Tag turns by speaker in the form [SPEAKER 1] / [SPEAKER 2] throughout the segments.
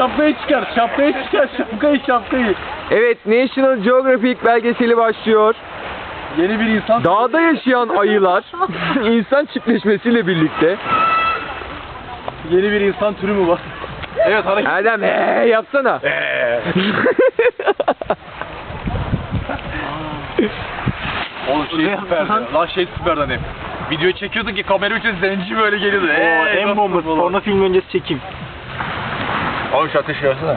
[SPEAKER 1] şapkayı çıkar, şapkayı.
[SPEAKER 2] Evet, National Geographic belgeseli başlıyor.
[SPEAKER 1] Yeni bir insan.
[SPEAKER 2] Dağda yaşayan ayılar insan çiftleşmesiyle birlikte.
[SPEAKER 1] Yeni bir insan türü mü var? Evet, hareket.
[SPEAKER 2] Erdem yapsana.
[SPEAKER 1] Oğlum şey süperdi. Lan şey süperdi hani. Video çekiyorduk ki kamera için zenci böyle geliyordu.
[SPEAKER 3] En bombası. Porno film öncesi çekim.
[SPEAKER 1] Abi şu ateşi versene.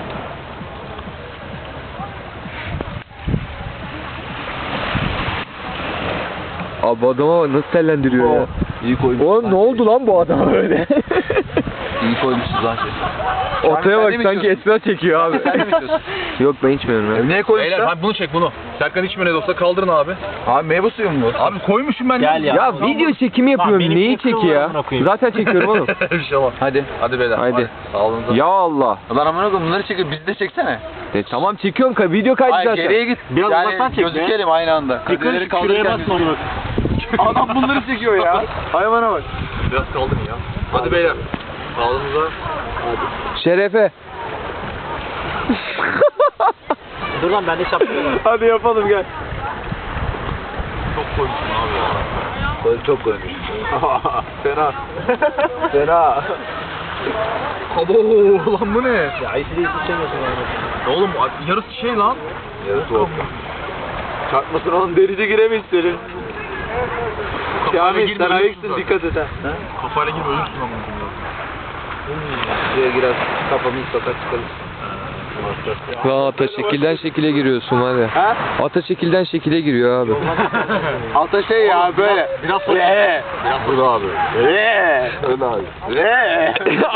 [SPEAKER 2] Abi adama nasıl tellendiriyor ya?
[SPEAKER 1] İyi koymuş.
[SPEAKER 2] Oğlum ne oldu lan bu adama öyle?
[SPEAKER 1] İyi koymuşsunuz lan şey.
[SPEAKER 2] Ortaya
[SPEAKER 1] Sen
[SPEAKER 2] bak
[SPEAKER 1] de mi
[SPEAKER 2] sanki
[SPEAKER 1] içiyorsun?
[SPEAKER 2] esmer çekiyor abi.
[SPEAKER 1] Sen de mi içiyorsun?
[SPEAKER 2] Yok ben içmiyorum ya.
[SPEAKER 1] Neye koymuşlar? Beyler bunu çek bunu. Serkan içmiyor ne de olsa kaldırın abi. Abi meyve suyu mu bu? Abi koymuşum ben.
[SPEAKER 3] Gel ya.
[SPEAKER 2] Ya video çekimi yapıyorum.
[SPEAKER 3] benim
[SPEAKER 2] Neyi
[SPEAKER 3] kısa
[SPEAKER 2] çeki ya?
[SPEAKER 3] amına koyayım.
[SPEAKER 2] Zaten çekiyorum oğlum.
[SPEAKER 1] Bir şey olmaz.
[SPEAKER 2] Hadi.
[SPEAKER 1] Hadi beyler.
[SPEAKER 2] Haydi.
[SPEAKER 1] Sağolunuz.
[SPEAKER 2] Ya Allah.
[SPEAKER 1] Lan amına koyayım bunları çekiyor. Bizi de çeksene.
[SPEAKER 2] Tamam çekiyorum video kaydı
[SPEAKER 1] Hayır
[SPEAKER 2] zaten.
[SPEAKER 1] geriye git.
[SPEAKER 3] Biraz uzaktan çek be.
[SPEAKER 1] gözükelim aynı anda.
[SPEAKER 3] Yukarı şuraya basma onu bak.
[SPEAKER 1] Adam bunları çekiyor ya. Hayvana bak. Biraz kaldın ya. Hadi beyler. Sağolumuza.
[SPEAKER 2] Şerefe.
[SPEAKER 3] Dur lan bende şapka var.
[SPEAKER 2] Hadi yapalım gel.
[SPEAKER 1] Çok koymuşsun abi ya.
[SPEAKER 2] Çok koymuş. Fena. Fena.
[SPEAKER 1] Abo lan bu ne?
[SPEAKER 3] Ya IC'de içemiyorsun yani.
[SPEAKER 1] Oğlum yarısı şey lan.
[SPEAKER 2] Yarısı oldu. Çarpmasın oğlum derici giremeyiz senin. Kamil sen ayaksın dikkat et ha.
[SPEAKER 1] Kafayla girme ölürsün ama.
[SPEAKER 2] Şuraya girer kafamı sokak çıkarız. Ata şekilden şekile giriyorsun hadi.
[SPEAKER 1] Ha?
[SPEAKER 2] Ata şekilden şekile giriyor abi.
[SPEAKER 1] Alta şey ya böyle. Biraz sonra.
[SPEAKER 2] Burada abi.
[SPEAKER 1] Öyle abi.